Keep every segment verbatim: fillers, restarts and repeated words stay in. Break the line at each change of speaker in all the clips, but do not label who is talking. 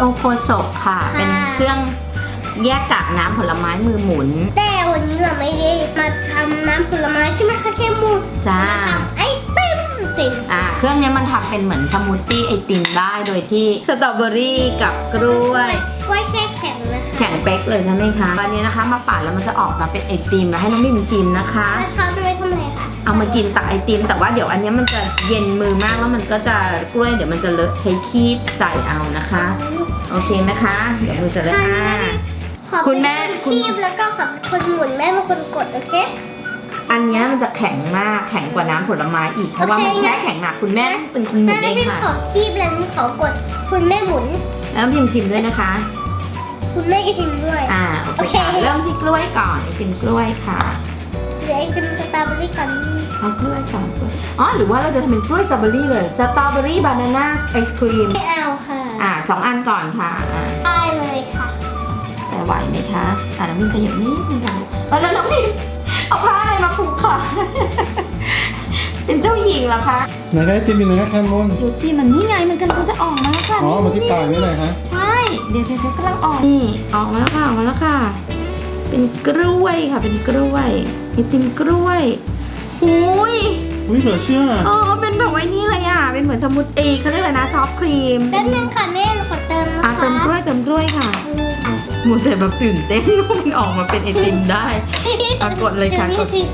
โอโคโซะค่ะเป็นเครื่องแยกกากน้ำผลไม้มือหมุน
แต่วันนี้เราไม่ได้มาทำน้ำผลไม้ใช่ไหมคะแค่มู
จ้า
ไอติมติม
อ่าเครื่องนี้มันทำเป็นเหมือนสมูทตี้ไอติมได้โดยที่สตรอเบอรี่กับกล้วย
กล้วยแช่แข็งนะคะ
แข็งเป๊กเลยใช่ไหมคะวันนี้นะคะมาปั่นแล้วมันจะออกมาเป็นไอติมแล้วให้น้องมิมชิมนะคะ
แล้วช้อนจะไว้ทำอะไรคะ
เอามากินตักไอติมแต่ว่าเดี๋ยวอันนี้มันจะเย็นมือมากแล้วมันก็จะกล้วยเดี๋ยวมันจะเลอะใช้คีบใส่เอานะคะโอเคไหมคะเดี๋ยวมือจะเลอะอ่าคุณแม่
คีบแล้วก็ขับคนหมุนแม่เป็นคนกดโอเค
อันนี้มันจะแข็งมากแข็งกว่าน้ำผลไม้อีกเพราะว่ามันแช่แข็งหนักคุณแม่เป็นคนหมุนเองค่ะ
ขอคีบแล้วขอกดคุณแม่หมุน
แล้วพิมชิมด้วยนะคะ
คุณแม่ก็ชิมด้วย
อ่าโอเคเริ่มที่กล้วยก่อนไอติมกล้วยค่ะ
เดี๋ยวไอติมสตรอเบอรี่ก่อน
เอากล้วยก่อนกล้วยอ๋อหรือว่าเราจะทำเป็นกล้วยสตรอเบอรี่เลยสตรอเบอรี่บานาน่าไอศครีม
ไม่เอาค่ะ
อ่าสองอันก่อนค่ะอ่า
ได้เลยค่ะ
แต่ไหวไหมคะอ่าน้องพิมขยับนิดนึงค่ะแล้วน้องพิมเอาผ้าอะไรมาผูกค่ะเป็นเจ้าหญิงเหรอคะ
ไหนคะไอติมอยู่ไหนคะแคมมอน
ดูสิมันนี่ไงมันกำลังจะออกมาแล้วค่ะ
อ๋อมาที่ปากนี่เลยฮะ
ใช่เดี๋ยวเดี๋ยวกำลังออกนี่ออกมาแล้วค่ะออกมาแล้วค่ะเป็นกล้วยค่ะเป็นกล้วยไอติมกล้วยหุย
อุ้ยเหลือเชื่อ
อ๋อเป็นแบบไว้นี่เลยอ่ะเป็นเหมือนสมูทตี้เขาเรียกอะไรนะซอฟต์ครีม
แป๊บนึงค่ะแม่ขอเติมนะคะ
อ่ะเติมกล้วยเติมกล้วยค่ะหมดแต่แบบตื่นเต้นว่ามันออกมาเป็นไอติมได้อ่ะกดเลยค่ะกดตื่น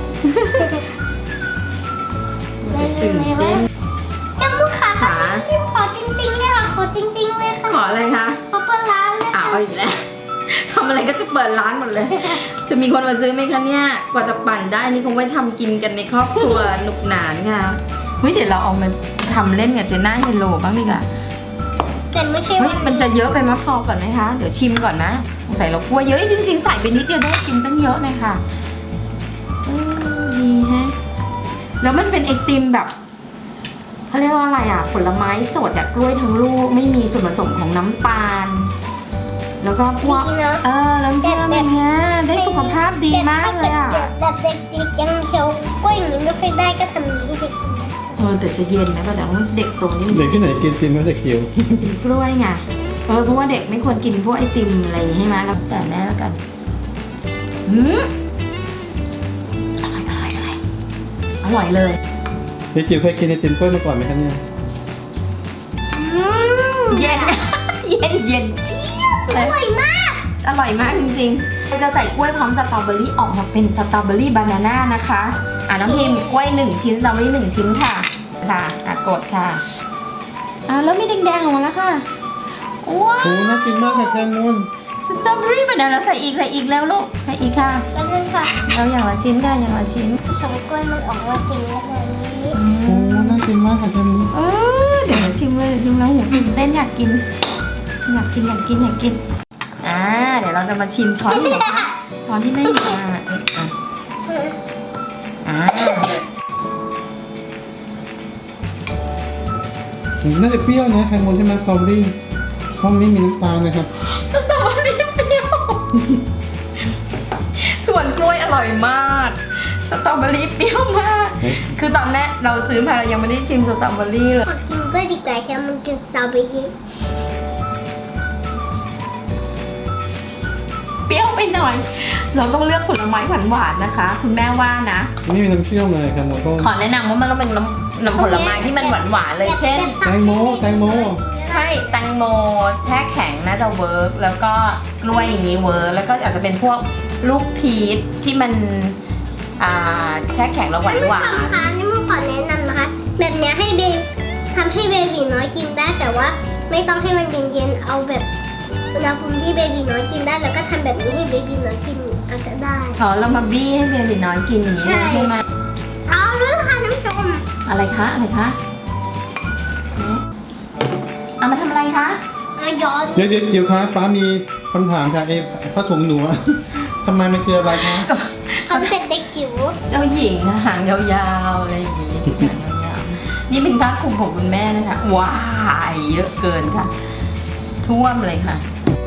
เต้น
จมูกค่ะค่ะพิมขอจริงๆเลยค่ะขอจริงๆเลยค่ะ
ขออะไรคะ
ขอเปิดร้านเลย
อ้าวอีกแล้วทำอะไรก็จะเปิดร้านหมดเลยจะมีคนมาซื้อไหมคะเนี่ยกว่าจะปั่นได้นี่คงไว้ทำกินกันในครอบครัวหนุกหนานค่ะเฮ้ยเดี๋ยวเราเอามาทำเล่นกับเจน่าเฮโลบ้างดีกว่า
แต่ไม่ใช่
เฮ้ยมันจะเยอะไปมะพร้าวก่อนไหมคะเดี๋ยวชิมก่อนนะใส่เรากลัวเยอะจริงๆใส่ไปนิดเดียวได้กินตั้งเยอะเลยค่ะดีฮะแล้วมันเป็นไอติมแบบเขาเรียกว่าอะไรอ่ะผลไม้สดจากกล้วยทั้งลูกไม่มีส่วนผสมของน้ำตาลแล้วก็พวกเออแล้วเชื่อมอย่างเงี้ยได้สุขภาพดีมากเลยอ่ะ
แบบเด็กๆยังเคี้ยวกล้วยอย่างนี้ไม่ค่อยได้ก็ทำนี้ให้เด็กกิน
เออแต่จะเย็นนะก็แต่ว่าเด็กโตนี่
เด็กที่ไหนกินติมก็จะเคี้ยว
กินกล้วยไงเออเพราะว่าเด็กไม่ควรกินพวกไอติมอะไรอย่างนี้ใช่ไหมแล้วแต่แม่แล้วกันหืมอร่อยอร่อยอร่อยอร่อยเลย
เด็กจิ๋วเคยกินไอติมกล้วยมาก่อนไหมครับเนี่ย
เย็นเย็นเย็นเจี๊ยบเลย
อร่อยมาก
อร่อยมากจริงๆจะใส่กล้วยพร้อมสตรอเบอรี่ออกมาเป็นสตรอเบอรี่บานาน่านะคะอ่ะน้องพิมกล้วยหนึ่งชิ้นสตรอเบอรี่หนึ่งชิ้นค่ะค่ะอ่ะกดค่ะอ่ะแล้วมีแดงๆออกมาแล้วค่ะว้าว
โอ้น่ากินมากค่ะแคมมอน
สตรอเบอรี่บานาน่าใส่อีกใส่อีกแล้วลูกใส่อีกค่ะ
แล้วนึงค่ะ
เราอย่างละชิ้นค่ะอย่างละชิ้น
สองกล้วยมันออกมาจริงแล้วแบบนี้
โอ้น่ากินมากค่ะแคมมอน
เออเดี๋ยวมาชิมเลยชิมแล้วหูตื่นเต้นอยากกินอยากกินอยากกินอยากกินอ่าเดี๋ยวเราจะมาชิมช้อนที่ไหนคะช้อนที่แม่หยิบมาอ่ะอ่า
น่าจะเปรี้ยวนะแคมมอนใช่ไหมสตรอเบอรี่ห้องนี้มีน้ำตาลนะครับ
สตรอเบอรี่เปรี้ยวส่วนกล้วยอร่อยมากสตรอเบอรี่เปรี้ยวมากคือตอนแรกเราซื้อมาเรายังไม่ได้ชิมสตรอเบอรี่เลย
ขอกินกล้วยดีกว่าแค่มันกินสตรอเบอรี่
เปรี้ยวไปหน่อยเราต้องเลือกผลไม้หวานๆนะคะคุณแม่ว่านะ
นี่มีน้ำเปรี้ยวเลยครับหมอต้น
ขอแนะนำว่ามันต้องเป็นน้ำน้ำผลไม้ที่มันหวานๆเลยเช่น
แตงโมแตงโม
ใช่แตงโมแช่แข็งน่าจะเวิร์กแล้วก็กล้วยอย่างนี้เวิร์กแล้วก็อาจจะเป็นพวกลูกพีชที่มันอ่าแช่แข็งแล้วหวานหวาน
นี่มันขอแนะนำนะคะแบบนี้ให้เบทำให้เบบีน้อยกินได้แต่ว่าไม่ต้องให้มันเย็นๆเอาแบบอุณหภูมิที่เบบีน้อยกินได้แล้วก็ทำแบบนี้ให้เบบีน้อยกินอาจจะได้
อ๋อเรามาบี้ให้เบบีน้อยกินอย่างนี้ใช่ไหม
เอาเลยค่ะน้ำชม
อะไรคะอะไรคะเอามาทำอะไรคะ
มาย้อน
เดี๋ยวเดี๋ยวจิ๋วคะฟ้ามีคำถามค่ะเอผ้าถุงหนูทำไมมันคืออะไรคะ
คอนเซ็ปต์เด็กจิ๋ว
เจ้าหญิงหางยาวๆอะไรอย่างนี้ชุดหางยาวๆนี่เป็นผ้าคลุมของคุณแม่นะคะว้ายเยอะเกินค่ะท่วมเลยค่ะ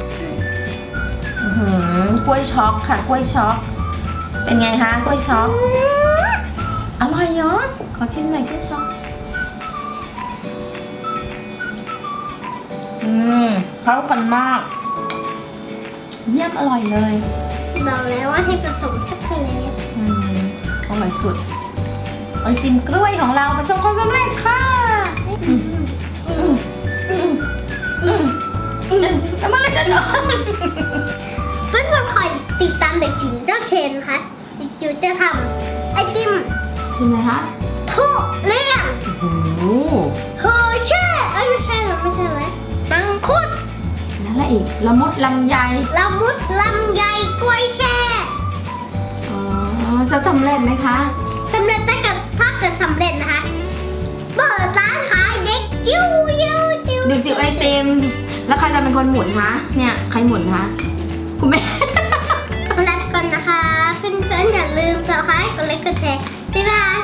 กล้วยช็อกค่ะกล้วยช็อกเป็นไงคะกล้วยช็อกอร่อยเนาะขอชิมหน่อยกล้วยช็อกอืมเข้ากันมาก เยี่ยมอร่อยเลย
บอกแล้วว่าให้ผสมช็อกโกแลต
อืมอร่อยสุดไอติมกล้วยของเราประสบความสำเร็จค่ะอืมอืมอืมอืมอืมแล้วเมื่อไหรจะนอน
เพื่อนๆคอยติดตามเด็กจิ๋วเจ้าเชนนะคะจิ๋วจะทำไอติม
เป็นไงคะ
ทุเรียน
โอ้โห
เฮอร์เช่เอ้ยไม่ใช่หรอไม่ใช่ไหมมังคุด
แล้วอะไรอีกละมุดลำไย
ละมุดลำไยกล้วยแช่
อ๋อจะสำเร็จไหมคะ
สำเร็จถ้าเกิดถ้าเกิดสำเร็จนะคะเปิดร้านขายเด็กจิ๋วจิ๋วจิ๋ว
เด็กจิ๋วไอติมแล้วใครจะเป็นคนหมุนคะเนี่ยใครหมุนคะคุณแม่
แล้วก่อนนะคะเพื่อนๆอย่าลืม subscribe กดไลค์กดแชร์บ๊ายบาย